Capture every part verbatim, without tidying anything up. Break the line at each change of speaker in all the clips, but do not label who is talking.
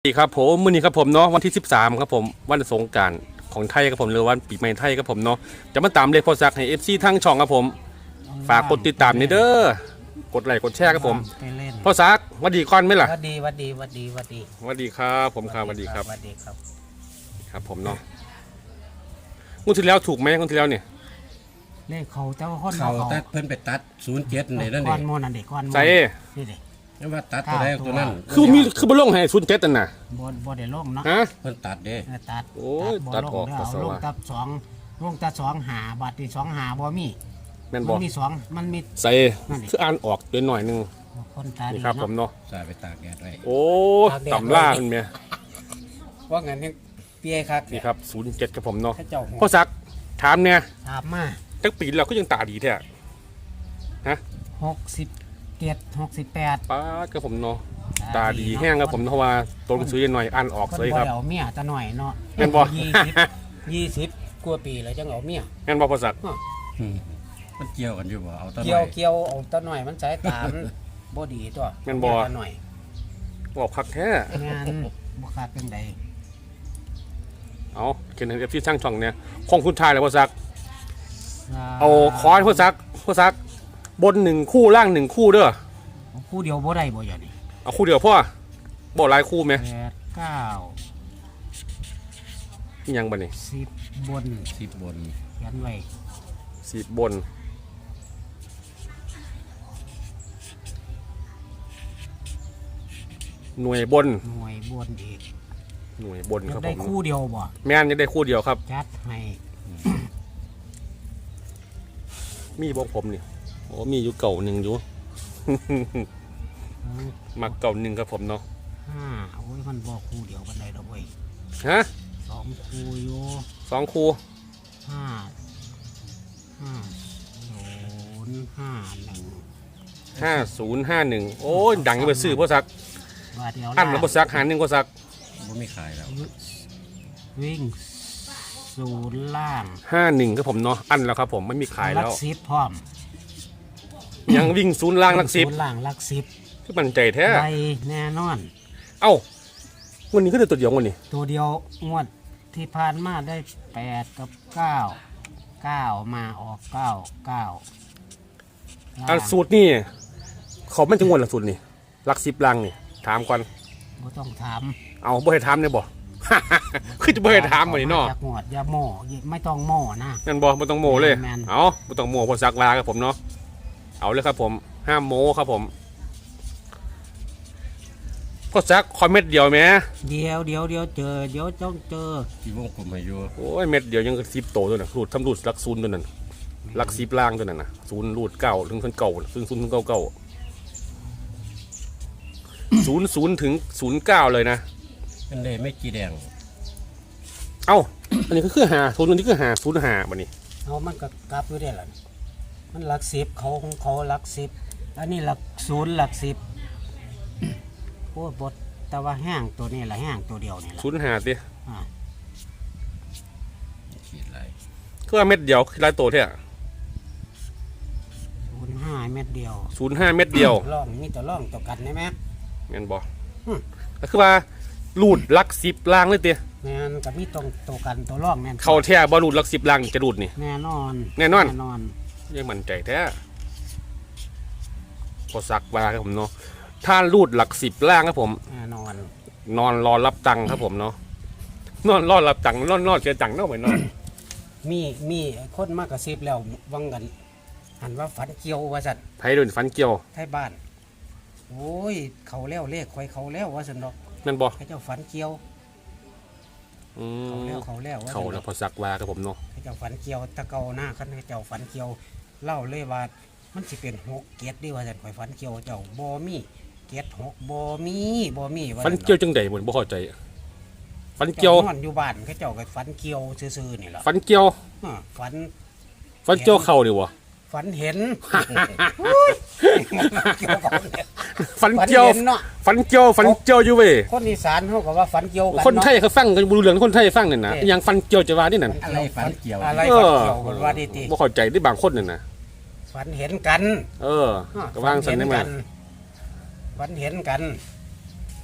สวัสดีครับผมมื้อนี้ครับผมเนาะวันที่สิบสามครับผมวันสงกรานต์ของไทยครับผมหรือวันปีใหม่ไทยครับผมเนาะจะมาตามเลขพอซักให้ เอฟ ซี ทั้งช่องครับผมฝากกดติดตามนี่เด้อกดไลค์กดแชร์ครับผมพอซักวัดดีก่อนไหมล่ะ
วัดดีวัดดีวัดดีวัดดี
วัดดีครับผมครับวัดดีครับ
วัดดีครับ
ครับผมเนาะงวดที่แล้วถูกไหมงวดที่แล้วเนี่ย
เลขเขาเจ้าคน
เขาตัดเพิ่นไปตัดศูนย์เจ็ดนี่นั่นเอ
ก้อน
ง
โมนั่นเด็กก้อนโม
ใส่
นี่เด็ก
นั่นว่าตัดตัวแรกตัวนั้น
คือมีคือบ่ลงให้ศูนย์เจ็ดนั่นน่ะ
บนบนเด็กลงเนาะ
ฮะ
เพิ่นตัดเด้
ตัด
โอ้ย
บ่
ตัด
ลง
ออก
เด้
ปัสสาวะ
ลงตัดสองลงตัดสองหาบาทที่สองหาบ่มี
แม่น
มั
บ่
นมีสองมันมี
ใส่คืออ่านออกตัวหน่อยนึง
คนตา
นี่
ดี
ครับผม
เนาะ
เนาะ
สายไปตากแดดไว้
โอ้ตำล่ามันแม่
ว่างั้นยังเปียครับ
นี่ครับศูนย์เจ็ดครับผมเนาะ
ข้าเจ้าหัว
พอซักถามเนี่ย
ถามมา
จักปีเราก็ยังตาดีแท้ฮะ
หกสิบเจ็ดหกสิบแปด
ป้าดครับผมเนาะตาดีแห้งครับผมเพราะว่าตัวหนังสือยังหน่อยอ่านออก
คน
เลย
บ่
ครับ
เอาเมียตะหน่อยเนาะ
แม่นบ่
ยี่สิบยี่สิบกว่าปีแล้วจังเอาเมีย
งั้นบอกภาษา
อืมมันเกี่ยวกันอยู่บ่เอาต้น
เกี่ยวเกี่ยวเอาตะหน่อยมันสายตามบ่ดีตัว
แม่นบ่
ตะหน่อย
บอกพักแท้
งานบุคคลเป็นใด
เอาเขียนเอฟซีช่างช่องเนี่ยของคุณชายเลยภาษาเอาคอนภาษาภาษาบนหนึ่งคู่ล่างหนึ่งคู่เด้อ
คู่เดียวบ่ได้บ่อย่างนี้
เอาคู่เดียวพ่อบอกหลายคู่ไหม
แปดเก้า
นี่ยังบ่นี่
สิบบน
สิบบน
เขียนไว้
สิบบนหน่วยบน
หน่วยบนอีก
หน่วยบน
อยา
ครั
ก
บ
ได้
ผม
คู่เดียวบ่
แม่นยังได้คู่เดียวครับ
จัดให้
มีบอกผมนี่โอ้มีอยู่เก่าหนึ่งอยู่ มักเก่าหนึ่งครับผมเนาะ
ห้าโอ้ยมันบ่คู่เดียวกันได้ดอกเว้ย
ฮะ
สองคู่อยู่
สองคู่
ห้าห้าศูนย์ห้าหนึ่ง
ห้าศูนย์ห้าหนึ่งโอ้ยดังไปซื้อพ่อซัก
บาทเดียว
อันแล้วพ่อซักหาหนึ่งพ่อซัก
บ่มีขายแล้ว
วิ่งศูนย์ล่าง
ห้าหนึ่งครับผมเนาะอันแล้วครับผมไม่มีขาย
ลั
แล้ว
กสิบพร้อม
ยังวิ่งศูนย์ล่างหลักสิบ
ศูนย์ล่างลักสิบ
คือมันใจแท้
ไปแน่นอน
เอ้าวันนี้ก็ได้ตัวเดียววันนี้
ตัวเดียวงวดที่ผ่านมาได้แปดกับเก้าเก้ามาออกเก้าเก้า
อันสูตรนี่เขาไม่ถึงวันละสูตรนี่หลักสิบล่างนี่ถามก่อน
บ่ต้องถาม
เอาบ่ให้ถามเนี่ยบ่ คือจะบ่ให้ถามวันนี้เนาะ
จากงวดอย่าโม่ไม่ต้องโม่นะ
งั้นบ่บ่ต้องโมเลย
แม่น
เอาบ่ต้องโมพ่อซักลาครับผมเนาะเอาเลยครับผมห้ามโมครับผมพ่อซักคอมเม็ดเดียวแหม
เดี๋ยวเดี๋ยวเดี๋ยวเจอเดี๋ยวต้องเจอ
ที่วงกลมให้อยู่
โอ้ยเม็ดเดียวยังสิบโตตัวน่ะรูดทำรูดหลักศูนย์ตัวนั้นหลักสิบล่างตัวนั้นน่ะศูนย์รูดเก้าถึงถึงเก้าถึงศูนย์ถึงเก้าเก้าศูนย์ศูนย์ถึงศูนย์เก้าเลยนะ
มันได้ไม่กี่แดง
เอ้าอันนี้ก็คือหาศูนย์อันนี้คือหาศูนย์หาบัดนี้
เอามันก็กลับอยู่ได้ล่ะมันหลักสิบเขาของเขาหลักสิบอันนี้หลักศูนย์หลักสิบโอ้บทแต่ว่าแห้งตัวนี้ละแห้งตัวเดียวนี่ละ
ศูนย์หาสิ
อ่า
ขีดไร
คือว่าเม็ดเดียวคือหลายโตแท้
ศูนย์ห้าเม็ดเดียว
ศูนย์ห้าเม็ดเดียว
ล่องมีตัวล่องตัวกันได้ไหม
แม่นบ่
อืม
ก็คือว่ารูดหลักสิบล่างเลยเตี้ย
แม่นกับมีตรงตัวกันตัวล่องแม่น
เข้าแท้บ่รูดหลักสิบล่างจะรูดนี่
แน่นอน
แน่นอน
แน่นอน
ยังมั่นใจแท้พอสักว่าครับผมเนาะถ้ารูดหลักสิบล่างครับผม
แน่นอน
นอนรอรับตังค์ครับผมเนาะนอนรอรับตังค์นอนนอนเสียตังค์เนาะไปนอน
มีมีคนมากกระซิบแล้ววังกันหันว่าฝันเกี่ยวว่าสัตว์
ไผโดนฟันเกี่ยว
ไทยบ้านโอ้ยเขาแล้วเลขคอยเขาแล้วว่าสันดอก
นั่นบ่
ให้เจ้าฝันเกี่ยว
อื
เขา
ม
แล้วเขาแล้วว่า
เขา
ซั่นด
แล้
อ
ว
ก
พอสักว่าครับผมเนาะ
ให้เจ้าฝันเกี่ยวตะเกาหน้าคันให้เจ้าฝันเกี่ยวเล่าเลยว่ามันสิเป็นหกเกียรติดีว่าสันคอยฝันเกี่ยวเจ้าบ่มีเกียรติหกบ่มีบ่มีว่า
ฟัน
ซั่นดอก
เกี่ยวจังใดเหมือนบ่เข้าใจฟันเกี่ยว
จ้านอนอยู่บ้านเขาเจ้าก็ฝันเกี่ยวซื่อๆนี่แหละ
ฟันเกี่ยว
อ่าฝัน
ฟันเกี่ยวเข่าดิวะ
ฝันเห็น
ฟันเกี่ยว
ฝันเห็นเนาะ
ฟันเกี่ยวฟันเกี่ยวอยู่เว้ย
คนอีสานเขาก็ว่าฝันเกี่ยวกัน
คนไทย
เนาะ
เขาฟังกันบ่รู้เรื่องคนไทยฟังนั่นน่ะ
เอ๊ะ
ยังฟันเกี่ยวจะว่านี่นั่น
อะไรฝันเกี่ยว
อะไร
เอ
ฝัน
อ
เกี่ยวกันว่าดีติ
บ่เข้าใจได้บางคนนั่นน่ะ
ฝันเห็นกัน
เออก็วางสันได้มั้ย
ฝันเห็นกัน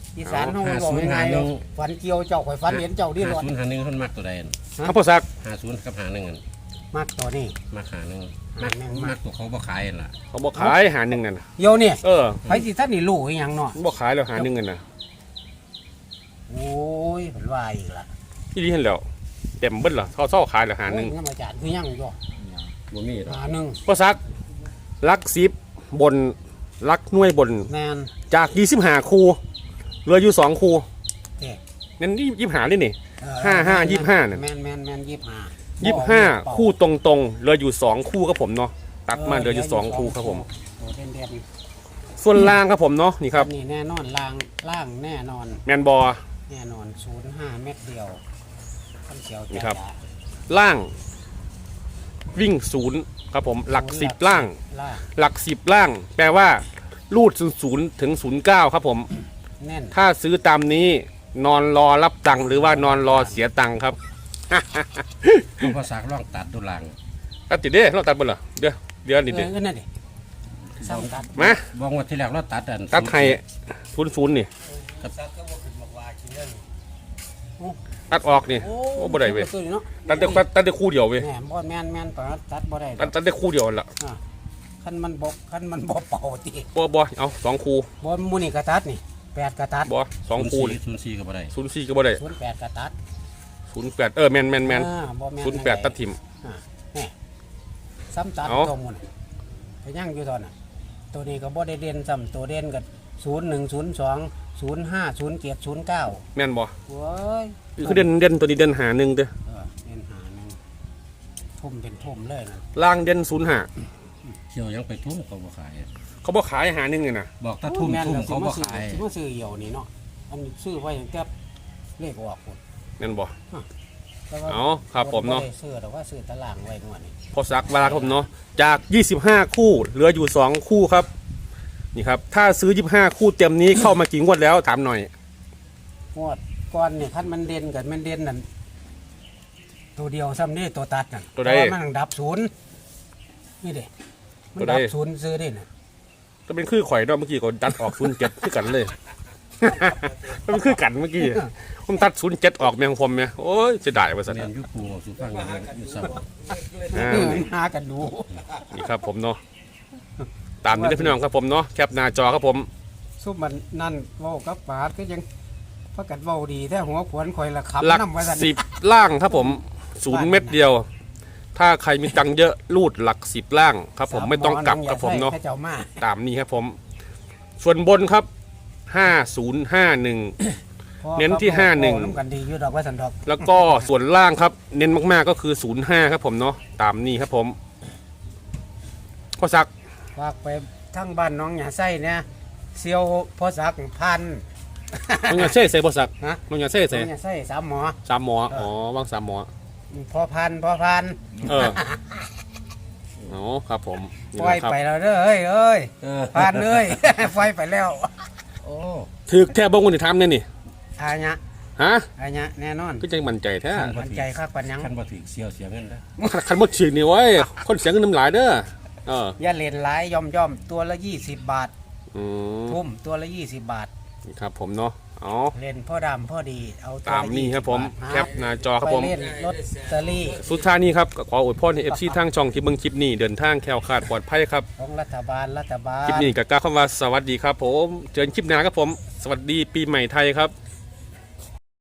อีสานเฮามันบอกยังไงฝันเกี่ยวเจ้าข่อยฝันเห็นเจ้าดิรถ
ศูนย์หาหนึ่งคนมักตัวใด
ครับพ่อซัก
ห้าศูนย์กับหาหนึ่ง
มักตัวนี้
มักหาหนึ่ง
หา
มัก
หนึ่ง
มักตัวเขาบ่ขายนั่นล่ะ
เขาบอกขายหาหนึ่งนั่นน่ะ
เดี๋ยวนี่
เออ
ไผสิท่านนี่รู้อีหยังเนาะ
บอกขายแล้วหาหนึ่งกันน่ะ
โอ้ยเพิ่นว่าอีกล่ะ
ที่นี่เห็นแล้วเต็มเบิ้ลเหรอเขาเศร้าขายแล้วหาหนึ่ง
โอ้ยอาจารย์คือยังอยู่
บ่มีหรอก
หาหนึ่ง
พ่อซักลักซิบบนลักหน่วยบน
แม่น
จากยี่สิบห้าคูเหลืออยู่สองคู
เด้
นั่นยี่สิบห้าเลยนี่
เออ
ห้าห้ายี่สิบห้าเนี่ย
แม่นแม่นแม่นยี่สิบห้า
ยี่สิบห้าคู่ตรงๆเหลืออยู่สองคู่ครับผมเนาะตัดมาเหลืออยู่สองคู่ครับผม
โอ้เด่นเด่น
ส่วนล่างครับผมเนาะนี่ครับ
นี่แน่นอนล่างล่างแน่นอน
แมนบอ
แน่นอนศูนย์ห้าเม็ดเดียวขั้นเขียว
นี่ครับ
จ้า
ล่าง วิ่งศูนย์ครับผมหลักสิบล่าง
ล่าง
หลักสิบล่าง แปลว่ารูดศูนย์ถึงศูนย์เก้าครับผม
แน่น
ถ้าซื้อตามนี้นอนรอรับตังค์หรือว่านอนรอเสียตังค์ครับ
ต้องภาษาลองตัดดูหลัง
ตัดติดเด้เราตัดบนเหรอเดี๋ยวเดี๋ยวนิด
เอ
เดีย
อ
ว
ก็นั่นดิซ้ำตัด
มา
บ่งว่าที่แรกเราตัดอัน
ตัดไทยศูนย์ศูนย์นี่
ซักก็บ่ขึ้นบอกว่ากินเรื่อง
ตัดออกนี่โอ้บ่ได้เว้ย
ตัวนี้เนาะ
ตัดได้ตัดตัดได้คู่เดียวเว้ย
แหมบ่แม่นแม่นปะตัดบ่ได้
ตัดตัดได้คู่เดียวละ
คันมันบกคันมันบ่เป่าติ
บ่บ่เอาสองคู่
บ่หมูนี่กระตัดนี่แปดกระตัด
บ่สองคู่
ศูนย์สี่ก็บ่ได้
ศูนย์สี่ก็บ่ได้
ศูนย์แปดกระตัด
ศูนย์แปดเออแมนแมนแมน
อ่าบ่แม่น
ศูนย์แปดตัดทิม
อ่าแหมซ้ำตัด
เอา
ตัวหมูนี่ก็ยังอยู่ตอนน่ะตัวนี้ก็บ่ได้เด่นซ้ำตัวเด่นก็ศูนย์หนึ่ง ศูนย์สอง ศูนย์ห้า ศูนย์เจ็ด ศูนย์เก้า
แมนบ่
โว้ย
คือเด่นเด่นตัวนี้เด่นหาหนึ่งเด้อ
เออเด่นหาหนึงทุ่มเป็นทุ่มเลยนะ
ล่างเด่นศูนย์ห้า
เที่ยวยังไปทุ่มเขาบ่ขาย
เขาบ่ขายหาหนึ่งเลยนะ
บอกถ้าทุ่ม
แม่น
ทุ่ม
แล้วสิ
เขาบ่
มาซื้อ
ขาย
สิมาซื้อเหี่ยวนี่เนาะอันนี้ซื้อไว้ตั้งแต่เลขออกพุ่น
แมนบ่
แต่ว่า
เอาครับผมเนาะ
บ่ได้ซื้อแต่ว่าซื้อตารางไว้งวดนี้
พอสักเวลาครับผมเนาะจากยี่สิบห้าคู่เหลืออยู่สองคู่ครับนี่ครับถ้าซื้อยี่สิบห้าคู่เต็มนี้ เข้ามากี่งวดแล้วถามหน่อย
งวดก่อนนี่คันมันเด่นกันมันเด่นนั่นตัวเดียวซ้ำนี่ตัวตัดนั่น
ตัวใด
เพราะามันดับศูนย์นี่เด้มัน
ตัวใด
ดับศูนย์ซื้อได้น่ะ
ก็เป็นคือข่อยเนาะเมื่อกี้ก็ดัดออกศูนย์เจ็ดคือกันเลย ก็เป็นคือกันเมื่อกี้ผมตัดศูนย์เจ็ดออกแมงพรมเนี่ยโอ้ยเสียดายว่าสัน
เรียนยุคปูสุฟังอยู่อยู่เศร้า
อ่า
เออหากันดู
นี่ครับผมเนาะตามนี้ได้อพี่น้องครับผมเนาะแคปหน้าจอครับผม
ซุปมันนั่นเว้ากับปาดก็ยังพักกันเว้าดีแต่หัวขวนข่อยละขับ
หลัก
น้ำว่าซั่น
สิบล่างครับผมศูนย์เม็ดเดียว ถ้าใครมีตังค์เยอะรูดหลักสิบล่างครับผมไม่ต้องกลับครับผมเนาะ
ให้เจ้ามา
ตามนี้ครับผม ส่วนบนครับห้าศูนย์ห้าหนึ่ง
พอ
เน้นที่ห้าหนึ่ง
เว้น้ำกันดีอยู่ดอกว่าสันดอก
แล้วก็ส่วนล่างครับ เน้นมากๆก็คือศูนย์ห้าครับผมเนาะตามนี้ครับผมข้อสัก
ฝากไปทั้งบ้านน้องหยาไส้เนี่ยเซียวพ่อสักพัน
มันอย่าเซ่ใส่ข้อสัก
ฮะ
มันอย่าเซ่
น้
ใส่
องหยาไส้สามหมอ
สามหมออ๋อว่างสามหมอ
พ่อพันพ่อพัน
เอออ๋อครับผมนี่
ปล่อย
นะครับ
ไปแล้วเด้อเอ้ยเอ้ย
เออ
พันเอ้ย ปล่อยไปแล้ว
โอ้
ถือแค่บ้งคนที่ทำเนี่ยนี่
อาญะ
ฮะ
อาญะแน่นอน
ก็ยังมั่นใจแท้
มันใจคักปัญญัง
คันบ่ถึงเสียวเสียเงินนะ
คันหมดฉีกนี่ไว้ยคนเสียเงินน้ำลายเด้อเออ
อย่าเล่นหลายย่อมย่อมๆตัวละยี่สิบบาท
อืม
ทุ่มตัวละยี่สิบบาท
นี่ครับผมเนาะอ๋อ
เล่นพ่อดำพ่อดีเอาตัว
ตาม
ละ
นี้ครับผม
ยี่สิ
แคปหน้าจอครับผม
ไปเล่นลอตเตอรี่
สุดท้ายนี้ครับก็ขออวยพรให้เอฟซีทางช่องที่เบิ่งคลิปนี้เดินทางแคล้วคลาดปลอดภัยครับ
ของรัฐบาลรัฐบาล
คลิปนี้ก็กล่าวคำว่าสวัสดีครับผมเจอกันคลิปหน้าครับผม สวัสดีปีใหม่ไทยครับ